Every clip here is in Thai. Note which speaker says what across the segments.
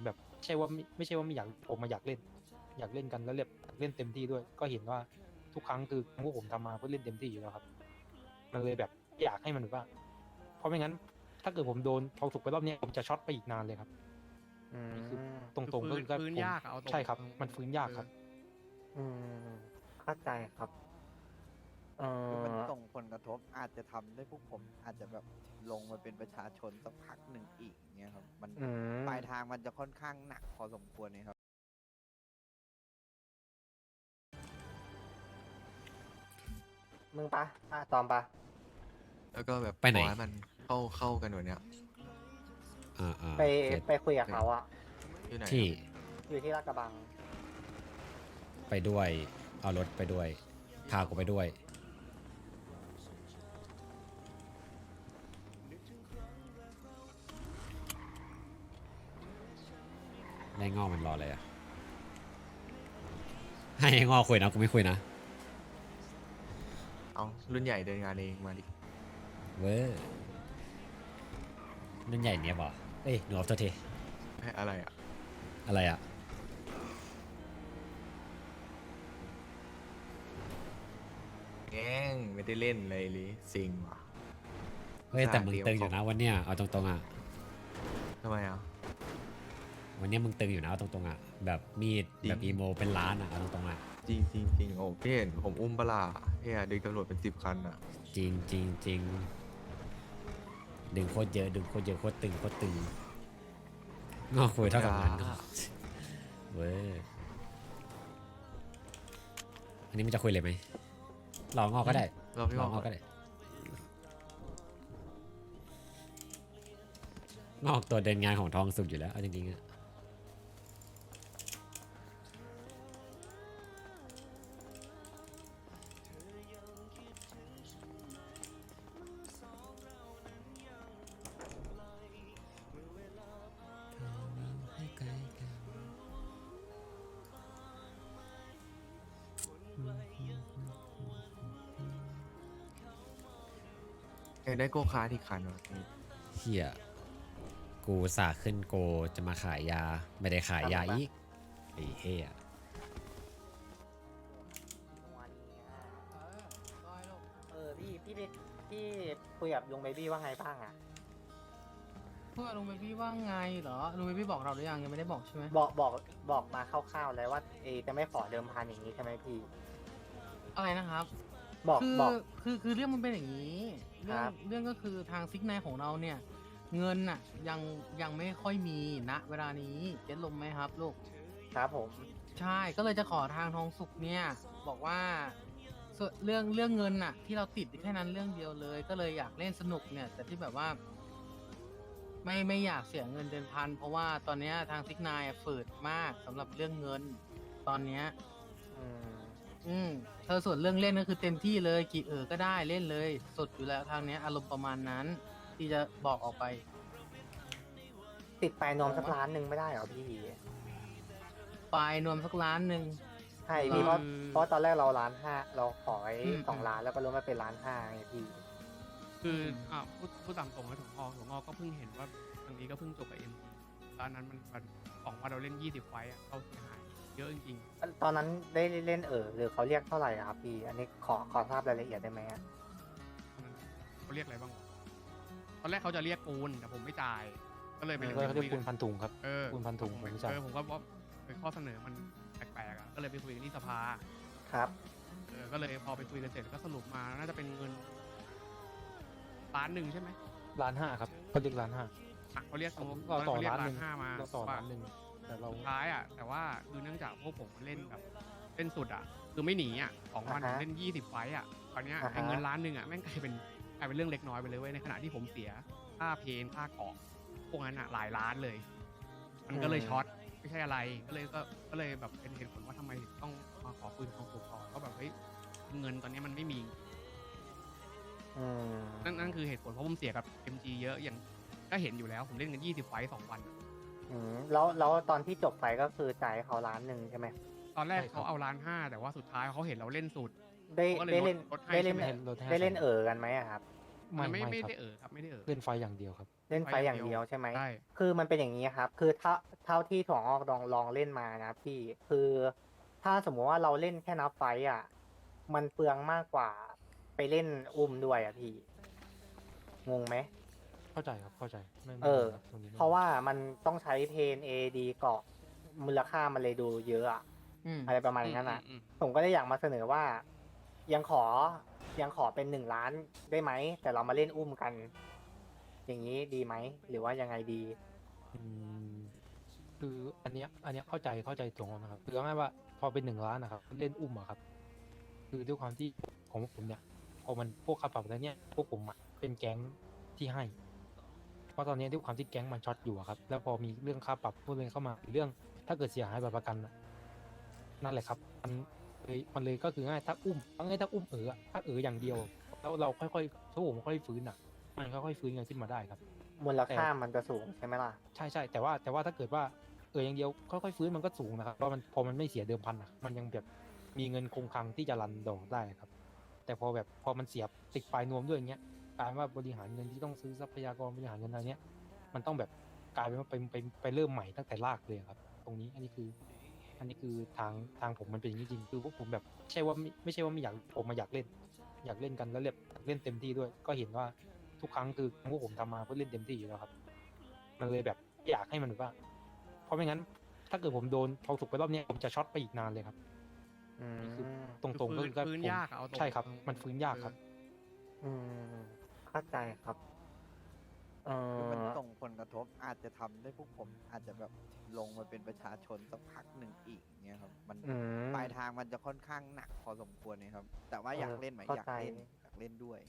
Speaker 1: แบบไม่ใช่ว่าไม่อยากผมมาอยากเล่นกันแล้วแบบอยากเล่นเต็มที่ด้วยก็เห็นว่าทุกครั้งคือพวกผมทำมาเพื่อเล่นเต็มที่อยู่แล้วครับมันเลยแบบอยากให้มันแบบว่าเพราะไม่งั้นถ้าเกิดผมโดนทองสุกไปรอบนี้ผมจะช็อตไปอีกนานเลยครับ
Speaker 2: อื
Speaker 1: นี่คือ
Speaker 2: ม
Speaker 1: ตรงๆก็คือ
Speaker 3: ฟื้น
Speaker 1: ผม
Speaker 3: ยากอะเอาตรง
Speaker 1: ใช่ครับ
Speaker 3: เออ
Speaker 1: มันฟื้นยากครับ
Speaker 2: อืมเข้าใจครับเอ
Speaker 4: คือมัน
Speaker 2: อ
Speaker 4: ส่งผลกระทบอาจจะทำให้พวกผมอาจจะแบบลงมาเป็นประชาชนสักพักหนึ่งอีกเนี่ยครับมัน
Speaker 2: อืม
Speaker 4: ปลายทางมันจะค่อนข้างหนักพอสมควรเลยครับ
Speaker 2: มึงปะตอมปะ
Speaker 5: แล้วก็แบบ
Speaker 6: ไปไหน
Speaker 5: ขอให้มันเข้ากันกว่าเนี้ย
Speaker 2: ไป
Speaker 6: เก็ต
Speaker 2: ไปคุยกับเขาอะ
Speaker 5: อยู่ไหน
Speaker 6: ที่
Speaker 2: อยู่ที่ลาดกระบัง
Speaker 6: ไปด้วย เอารถไปด้วย พากูไปด้วย ไอ้งอกมันรออะไรอ่ะ ให้ไอ้งอกคุยนะ กูไม่คุยนะ
Speaker 5: เอารุ่นใหญ่เดินงานเองมาดิ
Speaker 6: เว้ยนั่นใหญ่เนี้ยบ่เอ้ยหนูออฟโทษที
Speaker 5: ให้อะไรอ่ะ
Speaker 6: อะไรอ่ะ
Speaker 5: แง่งไม่ได้เล่นเลยลิซิงว่ะ
Speaker 6: เฮ้ย แต่มึง
Speaker 5: เตรียม
Speaker 6: ตึงอยู่นะวันเนี้ยเอาตรงๆอ่ะ
Speaker 5: ทำไมอ่ะ
Speaker 6: วันเนี้ยมึงตึงอยู่นะเอาตรงๆอ่ะ แบบมีด
Speaker 5: จริง
Speaker 6: แบบอีโมเป็นล้านอ่ะเอาตรงๆอ่ะ
Speaker 5: จริงจริงจริงโอ้พี่เห็นผมอุ้มปะลาเฮียดึงตำรวจเป็น10 คันอ่ะ
Speaker 6: จริงจริงจริงดึงโคตรเยอะดึงโคตรเยอะโคตรตึงโคตรตึงงอกคุยเท่ากับนั้นเว้ยอันนี้มันจะคุยเลยไหมลองงอกก็ได้
Speaker 5: เราพี่
Speaker 6: ล
Speaker 5: บ
Speaker 6: อ
Speaker 5: อง ก
Speaker 6: งอกก็ได้งอกตัวเดินงานของทองสุกอยู่แล้วเอาจริงๆอะ
Speaker 5: อยากได้โกคาร์ทอีกคันว่ะพี่
Speaker 6: เฮียกูสาขึ้นโกจะมาขายยาไม่ได้ขายยาอีกไอ้เฮีย
Speaker 2: พี่คุยกับลุงเบบี้ว่าไงบ้างอะ
Speaker 3: เพื่อลุงเบบี้ว่าไงเหรอลุงเบบี้บอกเราหรือยังไม่ได้บอกใช่ไหม
Speaker 2: บอกมาคร่าวๆแล้วว่าจะไม่ขอเดิมพันอย่างนี้ใช่ไหมพี่
Speaker 3: อะไรนะครับ
Speaker 2: บอก
Speaker 3: คือ
Speaker 2: บอก
Speaker 3: คือเรื่องมันเป็นอย่างนี้เรื่อ
Speaker 2: ค
Speaker 3: ง
Speaker 2: รับ
Speaker 3: เรื่องก็คือทางซิกไนของเราเนี่ย เงินน่ะยังไม่ค่อยมีณเวลานี้เก็ตลมไหมครับลูก
Speaker 2: ครับผม
Speaker 3: ใช่ก็เลยจะขอทางทองสุกเนี่ย บอกว่าส่วนเรื่องเงินน่ะ ที่เราติดแค่นั้นเรื่องเดียวเลย ก็เลยอยากเล่นสนุกเนี่ย แต่ที่แบบว่า ไม่อยากเสียเงินเดือนพันเพราะว่าตอนเนี้ยทางซิกนายฝืดมากสำหรับเรื่องเงิน ตอนเนี้ย
Speaker 2: อืม
Speaker 3: เธอส่วนเรื่องเล่นก็คือเต็มที่เลยกี่ก็ได้เล่นเลยสดอยู่แล้วทางเนี้ยอารมณ์ประมาณนั้น ที่จะบอกออกไป
Speaker 2: ติดไปนมสักล้านหนึ่งไม่ได้เหรอพี่
Speaker 3: ปลายนวมสักล้านหนึ่ง
Speaker 2: ใช่พี่เพราะ
Speaker 3: อืม
Speaker 2: เพราะตอนแรกเรา1,500,000เราขอไว้
Speaker 3: อืม
Speaker 2: 2 ล้านแล้วก็ลดมาเป็น1,500,000ไงพี่
Speaker 7: คือพูดตามตรงนะถั่วงอกก็เพิ่งเห็นว่าทางนี้ก็เพิ่งจบกับเอ็มตอนนั้นมันของว่าเราเล่น20 ไฟต์อะเขาเสียหายเยอะจริง
Speaker 2: ตอนนั้นได้เล่นหรือเขาเรียกเท่าไหร่อะครับพี่ อันนี้ขอทราบรายละเอียดได้ไหมอะ
Speaker 7: ๆตอนนั้นเขาเรียกอะไรบ้างวะตอนแรกเขาจะเรียกปูนแต่ผมไม่จ่าย ก็เลยไป
Speaker 1: ก็เขาเรียกปูนพันถุงครับ
Speaker 7: เออ
Speaker 1: ปูนพันถุงผมไม่จ่าย
Speaker 7: ผมก็ว่าข้อเสนอมันแปลกๆอะก็เลยไปคุยกันที่สภา
Speaker 2: ครับ
Speaker 7: ก็เลยพอไปคุยกันเสร็จก็สรุปมาน่าจะเป็นเงิน1,000,000ใช่ไหม
Speaker 1: 1,500,000ครับเขาเรียก1,500,000
Speaker 7: อ่ะเขาเรียก
Speaker 1: เราต่อ
Speaker 7: เขาเรียก
Speaker 1: 1,500,000
Speaker 7: 1,500,000มา
Speaker 1: เราต่อ
Speaker 7: ว่า
Speaker 1: 1,000,000แต่เรา
Speaker 7: สุดท้ายอ่ะแต่ว่าคือเนื่องจากพวกผมเล่นแบบเล่นสุดอ่ะคือไม่หนีอ่ะ2 วันผมเล่น20 ไฟต์อ่ะคราวเนี้ยไอ้เงิน1,000,000อ่ะแม่งกลายเป็นเรื่องเล็กน้อยไปเลยเว้ยในขณะที่ผมเสียค่าเพนค่าเกาะพวกนั้นอ่ะหลายล้านเลย มันก็เลยช็อตไม่ใช่อะไรก็เลยแบบเป็นเหตุผลว่าทำไมถึงต้องมาขอปืนของสุกก่อนก็แบบเฮ้ยเงินตอนนี้มันไม่มี
Speaker 2: อืม
Speaker 7: นั่นคือเหตุผลเพราะผมเสียกับ MG เยอะอย่างก็เห็นอยู่แล้วผมเล่นกัน20 ไฟต์2 วัน
Speaker 2: แล้วตอนที่จบไปก็คือจ่ายให้เขา1,000,000ใช่ไหม
Speaker 7: ตอนแรก
Speaker 1: ใช่ครับ
Speaker 7: เขาเอา1,500,000แต่ว่าสุดท้ายเขาเห็นเราเล่นสุด
Speaker 2: ได้
Speaker 7: เขาก็เลย
Speaker 2: ได้เล่น
Speaker 7: ลดให้
Speaker 2: ได้เล่น
Speaker 7: ใช่ไหม
Speaker 1: ลดให้
Speaker 2: ได้เล่นกันไหมอะครับ
Speaker 1: ไม่
Speaker 7: ไม่
Speaker 1: ไม่
Speaker 7: ไม่
Speaker 1: ครับ
Speaker 7: ได้ครับไม่ได้
Speaker 1: เล่นไฟอย่างเดียวครับ
Speaker 2: เล่นไฟอย่างเดียวใช่ไหม
Speaker 7: ใช่
Speaker 2: คือมันเป็นอย่างนี้ครับ คือเท่าที่ถั่วงอกลองเล่นมานะพี่ คือถ้าสมมุติว่าเราเล่นแค่นับไฟต์อ่ะ มันเปลืองมากกว่าไปเล่นอุ้มด้วยอ่ะพี่ งงไหม
Speaker 1: เข้าใจครับเข้าใจไม่
Speaker 2: เออ
Speaker 1: ครับตรงนี้ไม่
Speaker 2: เพราะว่ามันต้องใช้เพน AD เกาะมูลค่ามันเลยดูเยอะอะ
Speaker 3: อืม
Speaker 2: อะไรประมาณนั้นอ่ะ
Speaker 7: อืม
Speaker 2: ผมก็เลยอยากมาเสนอว่า ยังขอเป็น1 ล้านได้ไหม แต่เรามาเล่นอุ้มกัน อย่างนี้ดีไหม หรือว่ายังไงดี
Speaker 1: อืมคืออันเนี้ยเข้าใจตรงนะครับคือเอาง่ายๆว่าพอเป็น1 ล้านนะครับเล่นอุ้มอะครับ คือด้วยความที่ของผมเนี่ยพอมันพวกค่าปรับแล้วเนี่ยพวกผมอะเป็นแก๊งที่ให้ เพราะตอนนี้ด้วยความที่แก๊งมันช็อตอยู่อะครับ แล้วพอมีเรื่องค่าปรับพวกเรื่องเข้ามาหรือเรื่องถ้าเกิดเสียหายแบบประกันอะนั่นแหละครับมันเลยก็คือง่ายถ้าอุ้มถ้าอย่างเดียว แล้วเราค่อยๆถ้าผมค่อยๆฟื้นอะมันค่อยๆฟื้นกันขึ้นมาได้ครับ
Speaker 2: มูลค่ามันจะสูงใช่ไหมล่ะ
Speaker 1: ใช่แต่ว่าถ้าเกิดว่าอย่างเดียวค่อยๆฟื้นมันก็สูงนะครับเพราะมันพอมันไม่เสียเดิมพันอ่ะมันยังแบบมีเงินคงคลังที่จะรันดอกได้ครับ แต่พอมันเสียติดปลายนวมด้วยอย่างเงี้ยกลายเป็นว่าบริหารเงินที่ต้องซื้อทรัพยากรบริหารเงินอะไรเนี้ยมันต้องแบบกลายเป็นว่าไปเริ่มใหม่ตั้งแต่รากเลยครับ ตรงนี้อันนี้คือทางผมมันเป็นอย่างนี้จริงคือพวกผมแบบไม่ใช่ว่าไม่อยากผมมาอยากเล่นกันแล้วเล่นเต็มที่ด้วย ก็เห็นว่าทุกครั้งคือพวกผมทำมาเพื่อเล่นเต็มที่อยู่แล้วครับ มันเลยแบบอยากให้มันแบบว่า เพราะไม่งั้น ถ้าเกิดผมโดนทองสุกไปรอบเนี้ยผมจะช็อตไปอีกนานเลยครับ
Speaker 2: อืม
Speaker 1: คือตรงๆก็คือ
Speaker 7: ฟื้น
Speaker 1: ผม
Speaker 7: ยากอะเอาตรง
Speaker 1: ใช่ครับ
Speaker 7: เออ
Speaker 1: มันฟื้นยากครับ
Speaker 2: อืมเข้าใจครับ
Speaker 4: คือมันส่งผลกระทบอาจจะทำให้พวกผมอาจจะแบบลงมาเป็นประชาชนสักพักหนึ่งอีกเงี้ยครับ มัน
Speaker 2: อืม
Speaker 4: ปลายทางมันจะค่อนข้างหนักพอสมควรนะครับ แต่ว่าอยากเล่นไหม
Speaker 2: เข้า
Speaker 4: อยาก
Speaker 2: ใจ
Speaker 4: เล่นด้วย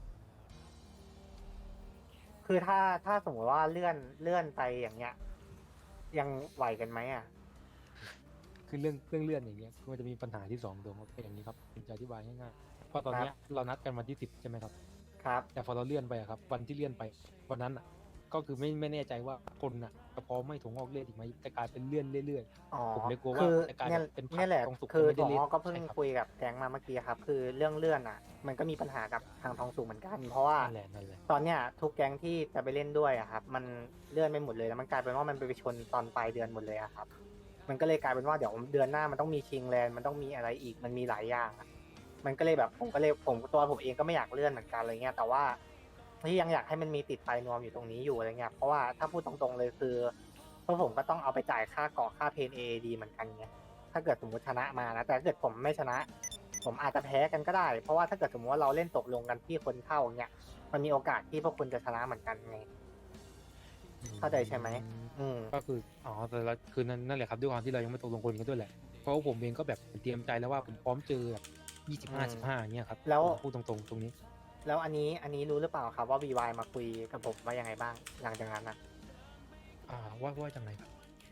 Speaker 2: คือถ้าสมมติว่าเลื่อนไปอย่างเงี้ย ยังไหวกันไหมอ่ะ
Speaker 1: คือเรื่องเลื่อนอย่างเงี้ยคือมันจะมีปัญหาที่2ตรงเป็นอย่างนี้ครับผมจะอธิบายง่ายๆเพราะตอนเนี้ยเรานัดกันวันที่10ใช่ไหมครับ
Speaker 2: ครับ
Speaker 1: แต่พอเราเลื่อนไปอะครับ วันที่เลื่อนไปวันนั้นอ่ะ ก็คือไม่แน่ใจว่าคนอ่ะจะพร้อมไม่ถุงออกเลื่อนอีกไหมจะกลายเป็นเลื่อนเรื่อย
Speaker 2: อ๋อ
Speaker 1: ผมเลยกลัวว่า
Speaker 2: คือ
Speaker 1: จะกลาย
Speaker 2: เนี่ย
Speaker 1: เป็นผัก
Speaker 2: เนี่ยแหละ
Speaker 1: ทองสุก
Speaker 2: คือ
Speaker 1: ไม่ได้
Speaker 2: ถั่ว
Speaker 1: เล่น
Speaker 2: งอกก็เพิ่ง
Speaker 1: ใช่ครับ
Speaker 2: คุยกับแก๊งมาเมื่อกี้ครับ คือเรื่องเลื่อนอ่ะ มันก็มีปัญหากับทางทองสุกเหมือนกัน เพราะว่า
Speaker 1: นั่นแหละ
Speaker 2: ตอนเนี้ยทุกแก๊งที่จะไปเล่นด้วยอะครับ มันเลื่อนไปหมดเลยแล้วมันกลายเป็นว่ามันไปชนตอนปลายเดือนหมดเลยอะครับ มันก็เลยกลายเป็นว่าเดี๋ยวเดือนหน้ามันต้องมีชิงแลนด์มันต้องมีอะไรอีกมันมีหลายอย่างอะมันก็เลยแบบผมเองก็ไม่อยากเลื่อนเหมือนกันอะไรเงี้ยแต่ว่าที่ยังอยากให้มันมีติดปลายนวมอยู่ตรงนี้อยู่อะไรเงี้ยเพราะว่าถ้าพูดตรงๆเลยคือพวกผมก็ต้องเอาไปจ่ายค่าเกาะค่าเพนเอดีเหมือนกันไงถ้าเกิดสมมติชนะมานะแต่ถ้าเกิดผมไม่ชนะ ผมอาจจะแพ้กันก็ได้ เพราะว่าถ้าเกิดสมมติว่าเราเล่นตกลงกันที่คนเท่าเงี้ยมันมีโอกาสที่พวกคุณจะชนะเหมือนกันไง เข้าใจใช่ไหม อืม
Speaker 1: ก็คือแต่ละคือนั่นแหละครับด้วยความที่เรายังไม่ตกลงคนกันด้วยแหละเพราะว่าผมเองก็แบบเตรียมใจแล้วว่าผมพร้อมเจอแบบ25-15อย่างเงี้ยครับ
Speaker 2: แล้ว
Speaker 1: ผมพูดตรงๆตรงนี้
Speaker 2: แล้วอันนี้รู้หรือเปล่าครับว่า VY มาคุยกับผมว่ายังไงบ้างหลังจากนั้นนะ
Speaker 1: ว่าจังไรครับ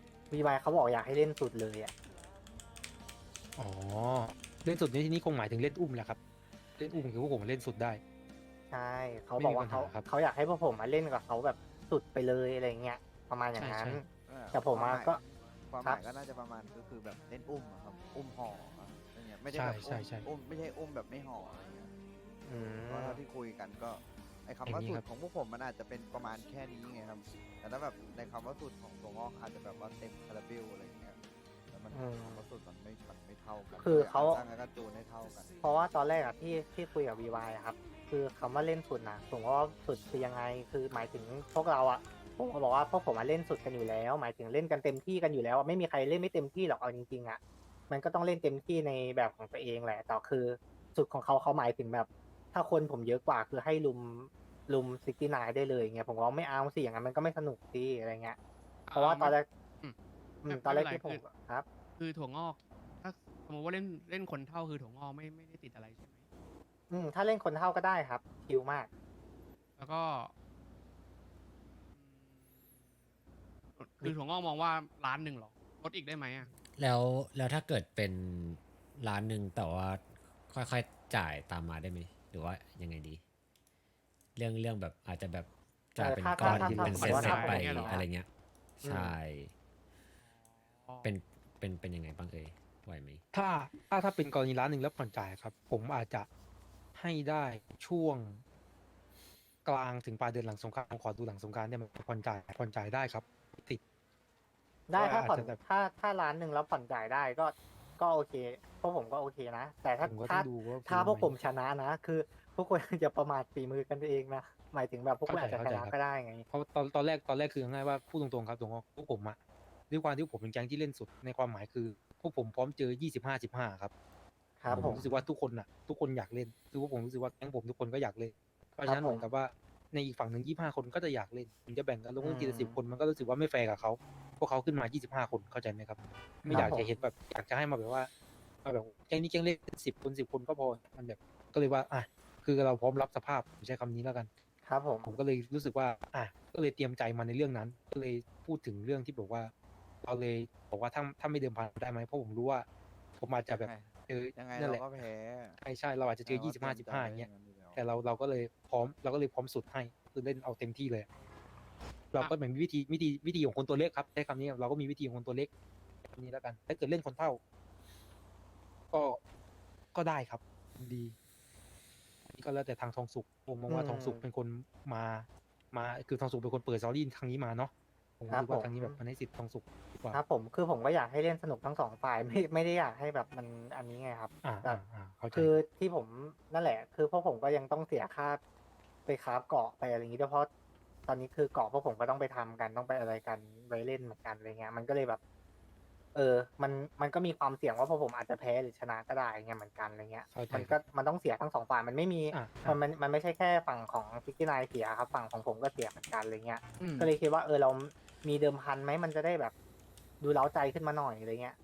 Speaker 2: VY เขาบอกอยากให้เล่นสุดเลยอ่ะ
Speaker 1: อ๋อเล่นสุดในที่นี้คงหมายถึงเล่นอุ้มแหละครับเล่นอุ้มคือพวกผมเล่นสุดได้
Speaker 2: ใช่เขาบอกว่า
Speaker 1: ไม่มีปัญหาครับ
Speaker 2: เขาอยากให้พวกผมมาเล่นกับเขาแบบสุดไปเลยอะไรเงี้ยประมาณอย่างนั้น
Speaker 1: ใช่
Speaker 2: แต่ผมอะก็
Speaker 4: ความห
Speaker 2: ครั
Speaker 4: มาย
Speaker 2: บ
Speaker 4: ก็น่าจะประมาณก็คือแบบเล่นอุ้มอะครับ อุ้มห่ออะอะไรเงี้ยไม่ได้แบบ
Speaker 1: ใช่
Speaker 4: อุ้มไม่ใช่อุ้มแบบไม่ห่ออะไรเงี้ย
Speaker 2: อืม
Speaker 4: เพราะเท่าที่คุยกันก็ไอ้คำ
Speaker 1: อย่า
Speaker 4: ว่าง
Speaker 1: นี้
Speaker 4: สุ
Speaker 1: ครั
Speaker 4: ด
Speaker 1: บ
Speaker 4: ของพวกผมมันอาจจะเป็นประมาณแค่นี้ไงครับ แต่ถ้าแบบในคำว่าสุดของตัวงอกอาจจะแบบว่าเต็มคาราเบลอะไรเงี้ยแล้วมันคำว่าสุดมันไม่เท่ากัน
Speaker 2: คือเขา
Speaker 4: สร้างกระจูนให้เท่ากัน
Speaker 2: เพราะว่าตอนแรกอะที่คุยกับ VY อะครับ คือคำว่าเล่นสุดนะผมว่าสุดคือยังไง คือหมายถึงพวกเราอะผมก็บอกว่าพวกผมมาเล่นสุดกันอยู่แล้ว หมายถึงเล่นกันเต็มที่กันอยู่แล้วอะไม่มีใครเล่นไม่เต็มที่หรอกเอาจริงๆอะมันก็ต้องเล่นเต็มที่ในแบบของตัวเองแหละแต่คือสุดของเขาหมายถึงแบบ ถ้าคนผมเยอะกว่าคือให้ลุม69ได้เลยเงี้ยผมว่าไม่เอาสิอย่างนั้นมันก็ไม่สนุกสิอะไรเงี้ยเพราะว่าตอนแรก
Speaker 7: อืม
Speaker 2: ตอนแรก
Speaker 7: ไม่
Speaker 2: ที่
Speaker 7: เป็น
Speaker 2: ผ
Speaker 7: ไร
Speaker 2: มครับ
Speaker 7: คือถั่วงอก ถ้าสมมติว่าเล่นคนเท่าคือถั่วงอกไม่ได้ติดอะไรใช่ไหม
Speaker 2: ถ้าเล่นคนเท่าก็ได้ครับคิวมาก
Speaker 7: แล้วก็คือถั่วงอกมองว่าล้านหนึ่งหรอลดอีกได้ไหมอ่ะ
Speaker 6: แล้วถ้าเกิดเป็นร้านหนึ่งแต่ว่าค่อยๆจ่ายตามมาได้ไหมหรือว่ายังไงดี เรื่องแบบอาจจะแบบจ่ายเป็นก้อน
Speaker 2: ถ้า
Speaker 6: เป็น
Speaker 2: สม
Speaker 6: เซ
Speaker 2: มุ
Speaker 6: ต
Speaker 2: ติว่า
Speaker 6: ๆไป
Speaker 2: ถ้าผม
Speaker 6: อะไรเงี้ย
Speaker 2: อืม
Speaker 6: ใช่ เป็นยังไงบ้างเอ่ยไหวไหม
Speaker 1: ถ้าเป็นกรณีร้านหนึ่งแล้วผ่อนจ่ายครับ ผมอาจจะให้ได้ช่วงกลางถึงปลายเดือนหลังสงกรานต์ผมขอดูหลังสงกรานต์เนี่ยมันผ่อนจ่ายได้ครับติด
Speaker 2: ได้ถ้าผ่อน
Speaker 1: อาจจะแบบ
Speaker 2: ถ้าล้านหนึ่งแล้วผ่อนจ่ายได้ก็โอเคพวกผมก็โอเคนะ แต่ถ้า
Speaker 1: ผมก็ต้องดูว่า
Speaker 2: ถ้าพวก
Speaker 1: ไห
Speaker 2: ผมชนะนะ คือพวกคุณอย่าประมาทฝีมือกันเองนะหมายถึงแบบพวกคุณอาจจะช
Speaker 1: เข้าใจ
Speaker 2: นะครับ ก็ได้ไง
Speaker 1: เพราะตอนแรกคือง่ายว่าพูดตรงๆครับตรงว่าพวกผมอะด้วยความที่ผมเป็นแก๊งที่เล่นสุดในความหมายคือพวกผมพร้อมเจอ25-15ครับ
Speaker 2: ครับ
Speaker 1: ผ
Speaker 2: ผม ม
Speaker 1: รู้สึกว่าทุกคนอยากเล่นคือว่าผมรู้สึกว่าแก๊งผมทุกคนก็อยากเล่นเพราะฉะนั้น
Speaker 2: ครับผม
Speaker 1: เหมือนกับว่าในอีกฝั่งหนึ่ง25 คนก็จะอยากเล่นถึงจะแบ่งกันลง
Speaker 2: อื
Speaker 1: ทีละ
Speaker 2: ม
Speaker 1: 10 คนมันก็รู้สึกว่าไม่แฟร์กับเขาพวกเขาขึ้นมา25 คนเข้าใจไหมครับ ไม่อยาก
Speaker 2: ครับผม
Speaker 1: จะเห็นแบบอยากจะให้มาแบบว่ามาแบบแก๊งนี้แก๊งเล่น10 คนก็พอมันแบบก็เลยว่าอ่ะคือเราพร้อมรับสภาพผมใช้คำนี้แล้วกัน
Speaker 2: ครับผม
Speaker 1: ผมก็เลยรู้สึกว่า อ่ะ ก็เลยเตรียมใจมาในเรื่องนั้น ก็เลยพูดถึงเรื่องที่บอกว่า เราเลยบอกว่าถ้าไม่เดิมพันได้ไหม เพราะผมรู้ว่า ผมอาจจะแบบเจอ
Speaker 4: ยังไง
Speaker 1: นั่น
Speaker 4: เรา
Speaker 1: แหละ
Speaker 4: ก็แพ้
Speaker 1: ใช่ เราอาจจะเจอ
Speaker 4: แต่ว่าตรีมใจ
Speaker 1: 25-15 อย่างเงี้ย
Speaker 4: ไว้นั้นอแล้ว
Speaker 1: แต่เราก็เลยพร้อมสุดให้ คือเล่นเอาเต็มที่เลย เราก็เหมือนมีวิธีของคนตัวเล็กครับ ใช้คำนี้ เราก็มีวิธีของคนตัวเล็กแบบนี้แล้วกัน ถ้าเกิดเล่นคนเท่า ก็ได้ครับ ดีนี่ก็แล้วแต่ทางทองสุกผมมองว่าทองสุกเป็นคนมาคือทองสุกเป็นคนเปิดซอรี่ครั้งนี้มาเนาะผมรู้สึกว่าทางนี้แบบมันให้สิทธิ์ทองสุกดีกว่า
Speaker 2: ครับผมคือผมก็อยากให้เล่นสนุกทั้งสองฝ่ายไม่ได้อยากให้แบบมันอันนี้ไงครับ
Speaker 1: อ่า
Speaker 2: แต่
Speaker 1: เข้าใจ
Speaker 2: คือที่ผมนั่นแหละ คือพวกผมก็ยังต้องเสียค่าไปคราฟเกาะไปอะไรอย่างนี้ด้วยเพราะตอนนี้คือเกาะพวกผมก็ต้องไปทำกันต้องไปอะไรกันไปเล่นเหมือนกันอะไรเงี้ยมันก็เลยแบบ มันก็มีความเสี่ยงว่าพวกผมอาจจะแพ้หรือชนะก็ได้เงี้ยเหมือนกันอะไรเงี้ย
Speaker 1: เข้าใจ
Speaker 2: มันต้องเสียทั้งสองฝ่ายมันไม่มี
Speaker 1: อ่ะ
Speaker 2: มันไม่ใช่แค่ฝั่งของซิกกี้นายเสียครับฝั่งของผมก็เสียเหมือนกันอะไรเงี้ย
Speaker 3: อืม
Speaker 2: ก็เลยคิดว่าเรามีเดิมพันไหมมันจะได้แบบดูเล้าใจขึ้นมาหน่อยอะไรเงี้ย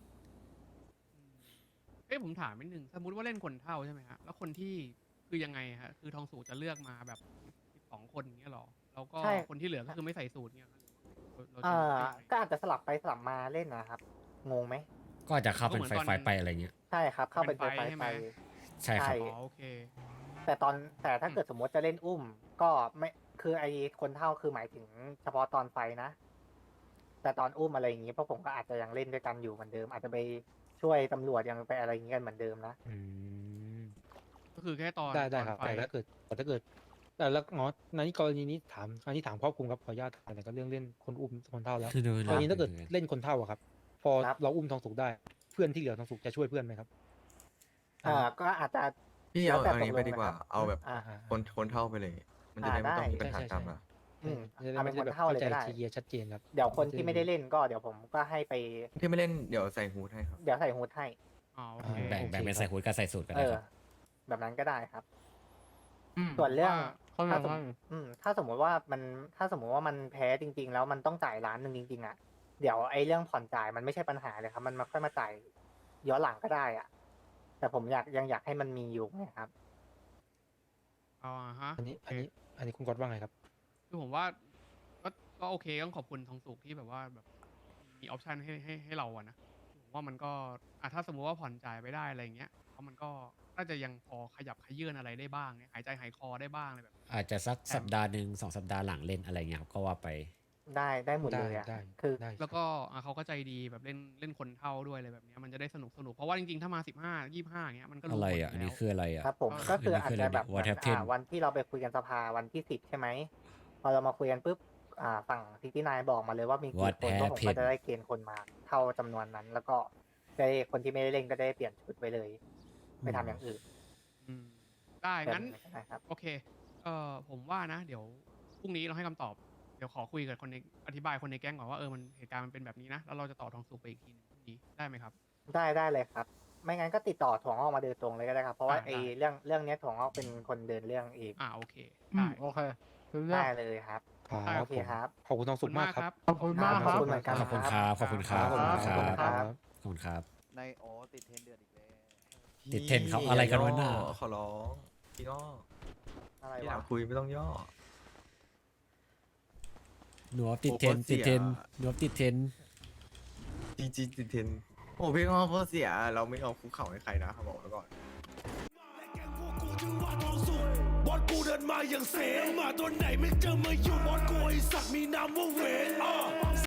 Speaker 7: เอ้ยผมถามนิดนึงสมมติว่าเล่นคนเท่าใช่ไหมฮะแล้วคนที่คือยังไงฮะคือทองสูตรจะเลือกมาแบบ12 คนอย่างเงี้ยหรอแล้วก็
Speaker 2: ใช่
Speaker 7: คนที่เหลือก็คือไม่ใส่สูตรเงี้ยเราจะ
Speaker 2: อ่า
Speaker 7: เลือกยังไง
Speaker 2: ก็อาจจะสลับไปสลับมาเล่นนะครับ งงไหม
Speaker 6: ก็อาจจะเข้าเป็น
Speaker 7: ก็เหมือน
Speaker 6: ไฟ
Speaker 7: ตอน
Speaker 6: ไปอะไรเงี้ย
Speaker 2: ใช่ครับ เข้าเป็น
Speaker 7: เป็นไฟ
Speaker 2: ไฟ
Speaker 7: ใช่ไหม
Speaker 6: ใช่ครับ
Speaker 2: ใช่
Speaker 7: อ๋อโอเค
Speaker 2: แต่ถ้าเกิดสมมติจะเล่นอุ้ม ก็ไม่คือไอคนเท่าคือหมายถึงเฉพาะตอนไฟนะ แต่ตอนอุ้มอะไรอย่างงี้พวกผมก็อาจจะยังเล่นด้วยกันอยู่เหมือนเดิม อาจจะไปช่วยตำรวจยังไปอะไรอย่างงี้กันเหมือนเดิมนะ
Speaker 1: อืม
Speaker 7: ก็คือแค่ตอน
Speaker 1: ได้
Speaker 7: ตอน
Speaker 1: ครับ
Speaker 7: ไฟ
Speaker 1: แต่ถ้าเกิดแต่แล้วงอในกรณีนี้ถามอันนี้ถามครอบคลุมครับขออนุญาตแต่ก็เรื่องเล่นคนอุ้มคนเท่าแล้ว
Speaker 6: คือดู
Speaker 1: กรณีถ้าเกิด
Speaker 6: ดู
Speaker 1: เล่นคนเท่าอะครับ พอ
Speaker 2: ครับ
Speaker 1: เราอุ้มทองสุกได้ เพื่อนที่เหลือทองสุกจะช่วยเพื่อนไหมครับ
Speaker 2: ก็อาจจะ
Speaker 5: พี่
Speaker 2: แล้ว
Speaker 5: เอา
Speaker 2: แต่
Speaker 5: อันนี้ไป
Speaker 2: ตกลง
Speaker 5: ดีกว่า
Speaker 2: นะครับ
Speaker 5: เอาแบบ
Speaker 2: อ่า
Speaker 5: คนเท่าไปเลย มันจะได้ไม่ต้องมีปัญหา
Speaker 1: ใช่
Speaker 5: ตามมา
Speaker 2: อืม
Speaker 1: จะได้
Speaker 2: เอา
Speaker 1: ไม่
Speaker 2: เป็น
Speaker 1: ได้
Speaker 2: คน
Speaker 1: แบบ
Speaker 2: เท่า
Speaker 1: เข้า
Speaker 2: เลย
Speaker 1: ใจ
Speaker 2: ก็ได้
Speaker 1: เคลียร์ชัดเจนครับ
Speaker 2: เดี๋ยวคนที่ไม่ได้เล่นก็เดี๋ยวผมก็ให้ไป
Speaker 5: ที่ไม่เล่นเดี๋ยวใส่ฮูดให้ครับ
Speaker 2: เดี๋ยวใส่ฮูดให้
Speaker 7: อ๋อโอเค
Speaker 6: แบ่ง
Speaker 1: โอเค
Speaker 6: เป็นใส่หูดกับใส่สูตรก็
Speaker 2: เอ
Speaker 6: ได้
Speaker 2: อ
Speaker 6: ครับ
Speaker 2: แบบนั้นก็ได้ครับ
Speaker 3: อืม
Speaker 2: ส่วนเรื่อง
Speaker 3: เขาบ
Speaker 2: ถ้า
Speaker 3: อก
Speaker 2: สม
Speaker 3: ว่า
Speaker 2: ถ้าสมมติว่ามันแพ้จริง ๆ แล้วมันต้องจ่ายล้านหนึ่งจริงๆอ่ะเดี๋ยวไอ้เรื่องผ่อนจ่ายมันไม่ใช่ปัญหาเลยครับ มันมาค่อยมาจ่ายย้อนหลังก็ได้อ่ะ แต่ผมยังอยากให้มันมีอยู่นะครับ
Speaker 7: อ๋อฮะ
Speaker 1: อันนี้
Speaker 7: โเค
Speaker 1: อันนี้คุณกอดว่าไงครับ
Speaker 7: คือผมว่าก็โอเคต้องขอบคุณทองสุกที่แบบว่าแบบมีออปชันให้เราอะนะผมว่ามันก็ถ้าสมมุติว่าผ่อนจ่ายไปได้อะไรอย่างเงี้ยเพราะมันก็น่าจะยังพอขยับขยื่นอะไรได้บ้างเนี่ยหายใจหายคอได้บ้างอะไรแบบ
Speaker 6: อาจจะสักสัปดาห์หนึ่ง2 สัปดาห์หลังเล่นอะไรเงี้ยครับก็ว่าไป
Speaker 2: ได้หมดเลยอ่ะ
Speaker 1: ได้
Speaker 2: คือ
Speaker 1: ได้
Speaker 7: แล้วก็เขาก็ใจดีแบบเล่นคนเท่าด้วยอะไรแบบเนี้ยมันจะได้สนุกเพราะว่าจริงๆถ้ามา15-25อย่างเงี้ยมันก็
Speaker 6: อะ
Speaker 7: รู้
Speaker 6: ไร
Speaker 7: ผล
Speaker 6: อ่ะ อัน
Speaker 7: แล้
Speaker 6: นี้
Speaker 7: ว
Speaker 6: คืออะไรอ่ะ
Speaker 2: ครับผม
Speaker 7: เออ
Speaker 2: ก็คืออาจจะแบบ
Speaker 6: What happened
Speaker 2: วันที่เราไปคุยกันสภาวันที่10ใช่ไหมพอเรามาคุยกันปุ๊บฝั่ง69บอกมาเลยว่ามีกี่
Speaker 6: What
Speaker 2: คนก็ผมก็
Speaker 6: happened
Speaker 2: จะได้เกณฑ์คนมาเท่าจำนวนนั้น แล้วก็ได้คนที่ไม่ได้เล่นก็ได้เปลี่ยนชุดไปเลยไปทำอย่างอื่น
Speaker 7: อืมได้งั้น
Speaker 2: แบบก็ได้ครับ
Speaker 7: โอเคผมว่านะ เดี๋ยวพรุ่งนี้เราให้คำตอบเดี๋ยวขอคุยกับคนในอธิบายคนในแก๊งก่อนว่ามันเหตุการณ์มันเป็นแบบนี้นะแล้วเราจะต่อทองสุกไปอีกทีนึงพรุ่งนี้ได้ไหมครับ
Speaker 2: ได้เลยครับ ไม่งั้นก็ติดต่อถั่วงอกมาโดยตรงเลยก็ได้ครับ เพราะว่า
Speaker 7: ได้
Speaker 2: ไอ้เรื่องเนี้ยถั่วงอกเป็นคนเดินเรื่องเอง
Speaker 7: โอเค
Speaker 3: อื
Speaker 7: ได้
Speaker 3: มโอเครู้เรื่อง
Speaker 2: ได้เลยครับ
Speaker 1: ครับ
Speaker 2: โอเคครับ
Speaker 1: ขอบคุณทองสุกมากครับ
Speaker 3: ขอบคุณมากครับ
Speaker 2: ขอบคุณเหมือนกัน
Speaker 6: ขอบคุณครับ ขอบคุณครับ ขอบคุณครับ
Speaker 2: ครับ
Speaker 6: ขอบคุณครับ
Speaker 4: ในติดเทรนเดือดอีกแล้ว
Speaker 6: ติดเทรนเขาอะไรกันวะน่ะ
Speaker 5: ขอร้องพี่ง้อ
Speaker 2: อะไร
Speaker 5: พี่อยาว
Speaker 2: ะ
Speaker 5: กคุยไม่ต้องย่อ
Speaker 6: หนูติดเทรน
Speaker 5: โอ้โห
Speaker 6: ติดเทรน
Speaker 5: เสีย
Speaker 6: หนูติดเทรน
Speaker 5: จริงๆติดเทรนโอ้พี่ง้อเขาเสีย เราไม่เอาคุกเข่าให้ใครนะเขาบอกไว้ก่อน
Speaker 8: บอสกูเดินมาอย่างเสงมาตัวไหนไม่เจอมาอยู่บอสกูไอสัตว์มีนามว่าเวน